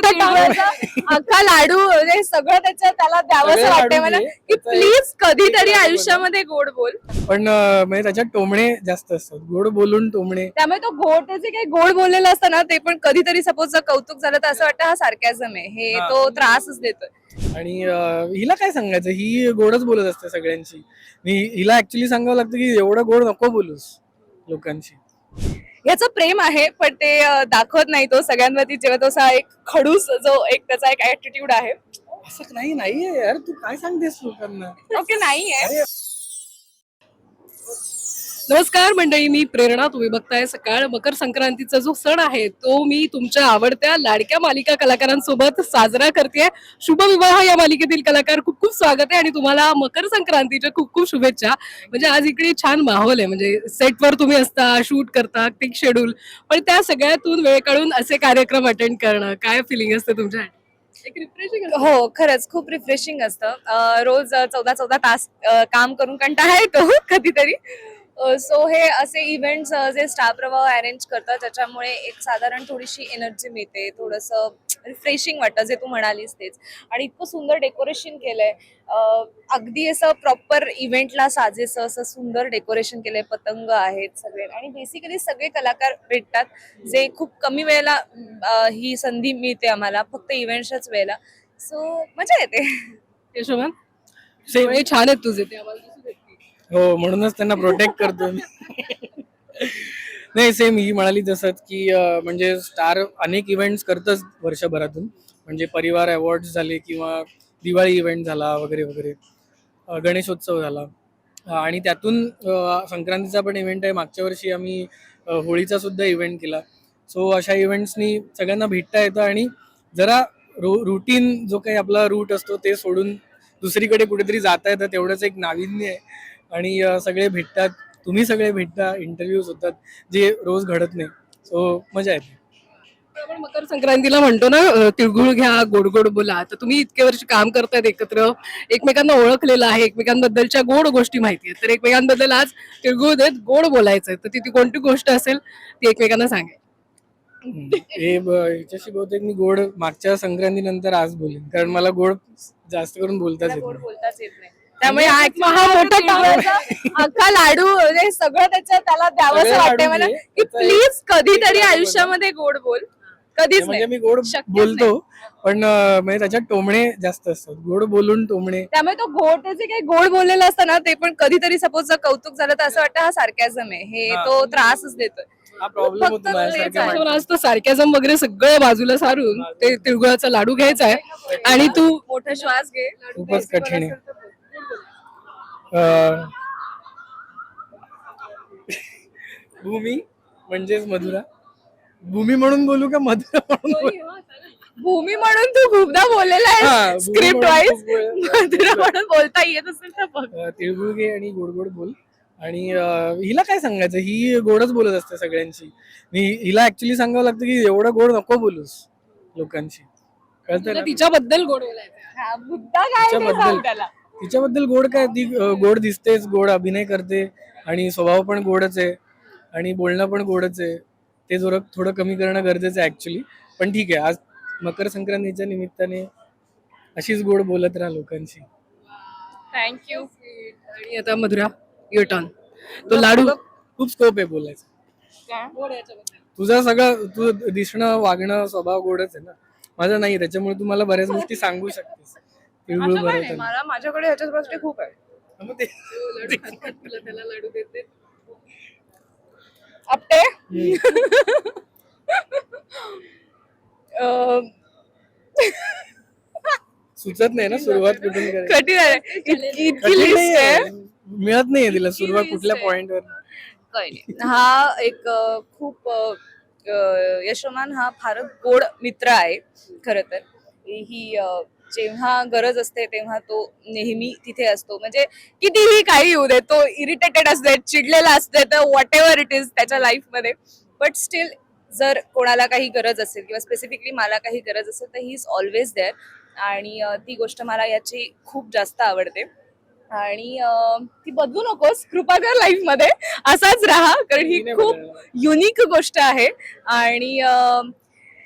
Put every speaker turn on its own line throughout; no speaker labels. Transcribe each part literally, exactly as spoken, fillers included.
मोठा टाळाचा अख्खा लाडू म्हणजे सगळं त्याच्या त्याला द्यावंसं
सगळे
वाटतंय
लाडू
मला
दे.
की
त्याचा
प्लीज कधीतरी
एक लाडू
आयुष्यामध्ये गोड बोल.
पण अं, म्हणजे त्याच्यात टोमणे जास्त असतात, गोड बोलून टोमणे.
त्यामुळे तो गोड त्याचे काही गोड बोललेलं असतं ना ते पण कधीतरी सपोज जर कौतुक झालं तर असं वाटतं हा सार्कॅझम आहे, हे
हा.
तो त्रासच देतोय.
आणि अं, हिला काय सांगायचं, ही गोडच बोलत असते सगळ्यांची. मी हिला ऍक्च्युली सांगावं लागतं की एवढं गोड नको बोलूस लोकांशी.
याचं प्रेम आहे पण ते अं, दाखवत नाही तो सगळ्यांवरती जेव्हा तो असा एक खडूस जो एक त्याचा एक ऍटिट्यूड आहे.
असं नाही नाहीये यार, तू काय सांगतेस लोकांना.
ओके नाहीये.
अरे
नमस्कार मंडळी, मी प्रेरणा. तुम्ही बघताय सकाळ. मकर संक्रांतीचा जो सण आहे तो मी तुमच्या आवडत्या लाडक्या मालिका कलाकारांसोबत साजरा करते. शुभविवाह या मालिकेतील कलाकार, खूप खूप स्वागत आहे आणि तुम्हाला मकर संक्रांतीच्या खूप खूप शुभेच्छा. म्हणजे आज इकडे छान माहोल आहे, म्हणजे सेटवर तुम्ही असता, शूट करता, टिक शेड्यूल, पण त्या सगळ्यातून वेळ काढून असे कार्यक्रम अटेंड करणं, काय फिलिंग असतं तुमच्या? एक रिफ्रेशिंग.
हो खरंच खूप रिफ्रेशिंग असतं. अं, रोज चौदा चौदा तास अं, काम करून कंटाळा येतो कधीतरी. सो हे असे इव्हेंट्स जे स्टार प्रवाह अरेंज करतात त्याच्यामुळे एक साधारण थोडीशी एनर्जी मिळते, थोडंसं रिफ्रेशिंग वाटतं जे तू म्हणालीस तेच. आणि इतकं सुंदर डेकोरेशन केलंय, अं, अगदी असं प्रॉपर इव्हेंटला साजेसं असं सुंदर डेकोरेशन केलंय. पतंग आहेत सगळे आणि बेसिकली सगळे कलाकार भेटतात जे खूप कमी वेळेला अं, ही संधी मिळते आम्हाला, फक्त इव्हेंट्सच्याच वेळेला. सो मजा येते.
यशोमन,
सेम.
डोळे छान आहेत तुझे, ते आम्हाला दिसू देत नाही.
हो, म्हणूनच त्यांना प्रोटेक्ट करतो मी. नाही, सेम ही म्हणाली तसंच की अं, म्हणजे स्टार अनेक इव्हेंट्स करतच वर्षभरातून. म्हणजे परिवार अवॉर्ड्स झाले किंवा दिवाळी इव्हेंट झाला वगैरे वगैरे, अं, गणेशोत्सव झाला. अं, आणि त्यातून अं, संक्रांतीचा पण इव्हेंट आहे. मागच्या वर्षी आम्ही अं, होळीचा सुद्धा इव्हेंट केला. सो अशा इव्हेंट्सनी सगळ्यांना भेटता येतं आणि जरा रू रुटीन जो काही आपला रूट असतो ते सोडून दुसरीकडे कुठेतरी जाता येतं, तेवढंच एक नाविन्य आहे. आणि अं, सगळे भेटतात, तुम्ही सगळे भेटता, इंटरव्ह्यूज होतात जे रोज घडत नाही. सो मजा येते.
आपण मकर संक्रांतीला म्हणतो ना, अ, तिळगुळ घ्या, गोड गोड बोला. तर तुम्ही इतके वर्ष काम करतायत एकत्र, एकमेकांना ओळखलेलं आहे, एकमेकांबद्दलच्या गोड गोष्टी माहिती आहेत, तर एकमेकांबद्दल आज तिळगुळ देत गोड बोलायचंय, तर ती ती कोणती गोष्ट असेल ती एकमेकांना सांगा.
हम्म. हे ब- ह्याच्याशी बहुतेक मी गोड मागच्या संक्रांतीनंतर आज बोलेन, कारण मला गोड जास्त करून बोलताच
मला
येत
गोड
नाही.
बोलताच येत नाही. त्यामुळे
म्हणजे
हा हा मोठा टाळाचा अख्खा लाडू म्हणजे सगळं त्याच्या त्याला द्यावंसं
सगळे
वाटतंय
लाडू
मला
दे.
की
त्याचा
प्लीज कधीतरी
एक लाडू
आयुष्यामध्ये गोड बोल. कधीच
म्हणजे
नाही.
मी गोड
शक्यच
बोलतो, पण अं, म्हणजे त्याच्यात टोमणे जास्त असतात, गोड बोलून टोमणे.
त्यामुळे तो गोड त्याचे काही गोड बोललेलं असतं ना ते पण कधीतरी सपोज जर कौतुक झालं तर असं वाटतं हा सार्कॅझम आहे, हे
हा.
तो त्रासच देतोय.
हा प्रॉब्लेम होतो
फक्त
माझ्यासारख्या
तेच आहे.
पण
माणसाला.
आज तर सार्कॅझम वगैरे सगळं बाजूला सारून ते तिळगुळाचा लाडू घ्यायचा आहे आणि तू
मोठा श्वास घे.
खूपच कठीण आहे. अं, भूमी म्हणजेच मधुरा. भूमी म्हणून बोलू का मधुरा म्हणून बोलू?
भूमी म्हणून तू खूपदा बोललेला
हा,
आहे
भूमी
स्क्रिप्ट
म्हणून
वाईज.
खूप वेळ-
मधुरा म्हणून बोलता येत असेल तर बघ.
अं, तिळगुळ घे आणि गोड गोड बोल. आणि अं, हिला काय सांगायचं, ही गोडच बोलत असते सगळ्यांची. मी हिला ऍक्च्युली सांगावं लागतं की एवढं गोड नको बोलूस लोकांशी, कळतं
तुला
ना?
तिच्याबद्दल गोड बोलायचं.
हा, मुद्दा काय ते
तिच्याबद्दल
सांग त्याला.
तिच्याबद्दल गोड काय, ती अं, गोड दिसतेच, गोड अभिनय करते आणि स्वभाव पण गोडच आहे आणि बोलणं पण गोडच आहे. ते जरा थोडं कमी करणं गरजेचं आहे ऍक्च्युली. पण ठीक आहे, आज मकर संक्रांतीच्या निमित्ताने अशीच गोड बोलत राहा लोकांशी.
थँक्यू.
आणि आता मधुरा, युअर टर्न. तो लाडू
तुला खूप स्कोप आहे बोलायचं.
गोड याच्याबद्दल.
तुझं सगळं, तू दिसणं, वागणं, स्वभाव गोडच आहे ना. माझं नाही, त्याच्यामुळे तू मला बऱ्याच गोष्टी सांगू शकतेस. तिळगुळ
असं काय नाही,
भरवताना.
मला माझ्याकडे ह्याच्याच गोष्टी खूप आहे.
मग ते
लाडू खात खात तुला त्याला लाडू देते.
आपटे. अं,
सुचत नाही ना सुरुवात कुठून करायची.
कठीण आहे. इतकी इतकी
कठीण
लिस्ट
नाहीये.
आहे.
मिळत नाहीये तिला सुरुवात
list
कुठल्या
आहे.
पॉइंटवर.
काही नाही. हा एक अ, खूप अ, अ, यशोमान हा फारच गोड मित्र आहे खर तर. ही अ, जेव्हा गरज असते तेव्हा तो नेहमी तिथे असतो. म्हणजे कितीही काही येऊ दे, तो इरिटेटेड असते, चिडलेला असते, तर व्हॉट एव्हर इट इज त्याच्या लाईफमध्ये, बट स्टील जर कोणाला काही गरज असेल किंवा स्पेसिफिकली मला काही गरज असेल तर ही इज ऑलवेज देअर. आणि अ, ती गोष्ट मला याची खूप जास्त आवडते. आणि अं, ती बदलू नकोस कृपा कर लाईफ मध्ये, असाच राहा, कारण ही
मी नाही
खूप
बदलणार.
युनिक गोष्ट आहे. आणि अं,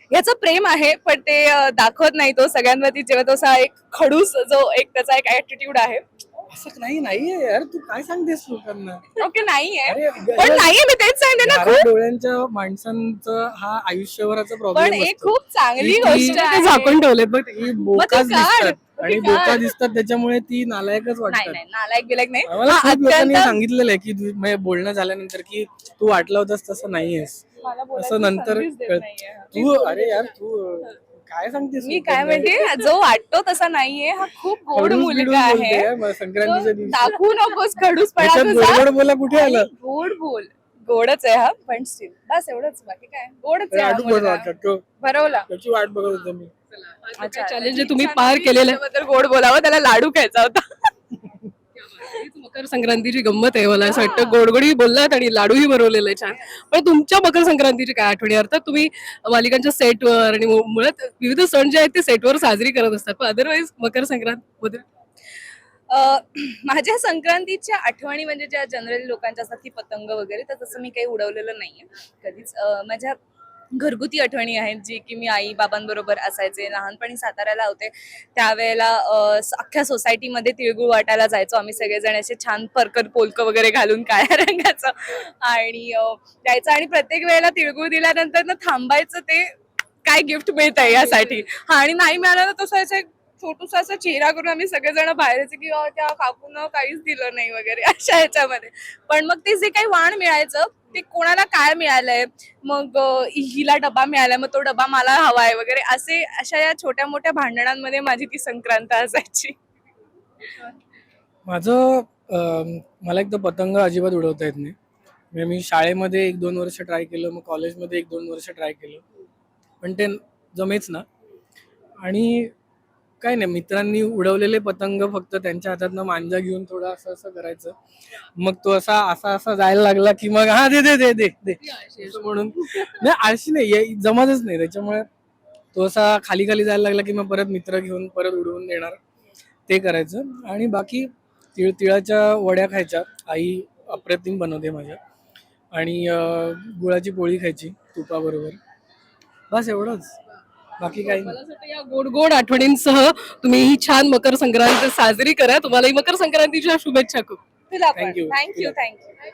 ह्याचं प्रेम आहे पण ते अं, दाखवत नाही तो सगळ्यांवरती जेव्हा तो असा एक खडूस जो एक त्याचा एक ऍटिट्यूड आहे.
असं नाही नाहीये यार, तू काय सांगतेस लोकांना?
ओके नाहीये
अरे
पण नाहीये मी तेच सांगते ना
घाऱ्या
खूप
डोळ्यांच्या माणसांचं हा आयुष्यभराचा
पण
प्रॉब्लेम
एक
असतो.
खूप चांगली
ती-
गोष्ट
ती-
ते
आहे.
झाकून ठेवलेत बघ.
ही बोकाच
काढ.
दिसतात
मग
आणि
ती
बोका
काढ.
दिसतात त्याच्यामुळे ती नालायकच
नाही
वाटतात.
नाही नालायक बिलायक नाही
मला
हा,
खूप लोकांनी
अत्यंत
सांगितलेलं आहे की तू- म्हणजे बोलणं झाल्यानंतर की तू वाटलं होतंस तसं नाहीयेस.
मला बोलायची
असं नंतर
संधीच देत
कळ-
नाहीये.
तू अरे यार तू काय सांगतेस
मी काय
लोकांना?
म्हणते जो वाटतो तसा नाहीये हा खूप गोड
खडूस बिडूस
मुलगा
बोलते
आहे
यार, मग संक्रांतीच्या
तो
दिवशी
दाखवू नकोस खडूसपणा
त्याच्यात
तुझा.
गोड बोला कुठे आलं?
आणि गोड बोल गोडच आहे हा पण स्टील बस एवढंच बाकी काय गोडच आहे हा
आडू
मुलगा.
वाटत तो
भरवला
त्याची वाट बघत होतो मी.
चॅलेंज जे तुम्ही पार केलेलं आहे
बद्दल गोड बोलावं त्याला लाडू खायचा होता.
हीच मकर संक्रांतीची गंमत आहे. मला असं वाटतं गोडगोडी बोललात आणि लाडूही बनवलेलं आहे छान. पण तुमच्या मकर संक्रांतीची काय आठवणी? अर्थात तुम्ही मालिकांच्या सेटवर आणि मु- मुळात विविध सण जे आहेत ते सेटवर साजरी करत असतात, पण अदरवाईज मकर संक्रांत बद्दल
अ, माझ्या संक्रांतीच्या आठवणी म्हणजे ज्या जनरली लोकांच्या असतात की पतंग वगैरे तर तसं मी काही उडवलेलं नाहीये कधीच. अ, माझ्या घरगुती आठवणी आहेत जी की मी आई बाबांबरोबर असायचे लहानपणी साताऱ्याला होते त्यावेळेला अ, स- अख्ख्या सोसायटीमध्ये तिळगुळ वाटायला जायचो आम्ही सगळेजण असे छान परकर पोलक वगैरे घालून काळ्या रंगाचं आणि अ, जायचं आणि प्रत्येक वेळेला तिळगुळ दिल्यानंतर ना थांबायचं ते काय गिफ्ट मिळत आहे यासाठी. हा आणि नाही मिळालं ना तसं असं एक छोटूसा असा चेहरा करून आम्ही सगळेजण बाहेर यायचे की "अ, त्या काकूनं काहीच दिलं नाही वगैरे अशा ह्याच्यामध्ये. पण मग ते जे काही वाण मिळायचं ते कोणाला काय मिळालंय मग अ, हिला डबा मिळालाय मग तो डबा मला हवाय वगैरे असे अशा या छोट्या मोठ्या भांडणांमध्ये माझी ती संक्रांत असायची.
माझं अं, मला एक तर पतंग अजिबात उडवता येत नाही. म्हणजे मी शाळेमध्ये एक दोन वर्ष ट्राय केलं, मग कॉलेजमध्ये एक दोन वर्ष ट्राय केलं, पण ते जमेच ना. आणि काय नाही, मित्रांनी उडवलेले पतंग फक्त त्यांच्या हातातनं मांजा घेऊन थोडं असं असं करायचं, मग तो असा असा असा जायला लागला की मग हा दे दे दे दे दे असं म्हणून. नाही आळशी नाही, हे जमतच नाही. त्याच्यामुळे तो असा खाली खाली जायला लागला की मग परत मित्र घेऊन परत उडवून देणार, ते करायचं. आणि बाकी तिळ तिळाच्या वड्या खायच्या, आई अप्रतिम बनवते माझ्या. आणि अं, गुळाची पोळी खायची तुपाबरोबर, बस एवढंच, बाकी काही नाही.
मला असं वाटतं या गोड गोड आठवणींसह तुम्ही ही छान मकर संक्रांत साजरी करा. तुम्हाला ही मकर संक्रांतीच्या शुभेच्छा खूप.
तुला पण
Thank you.
Thank you thank you.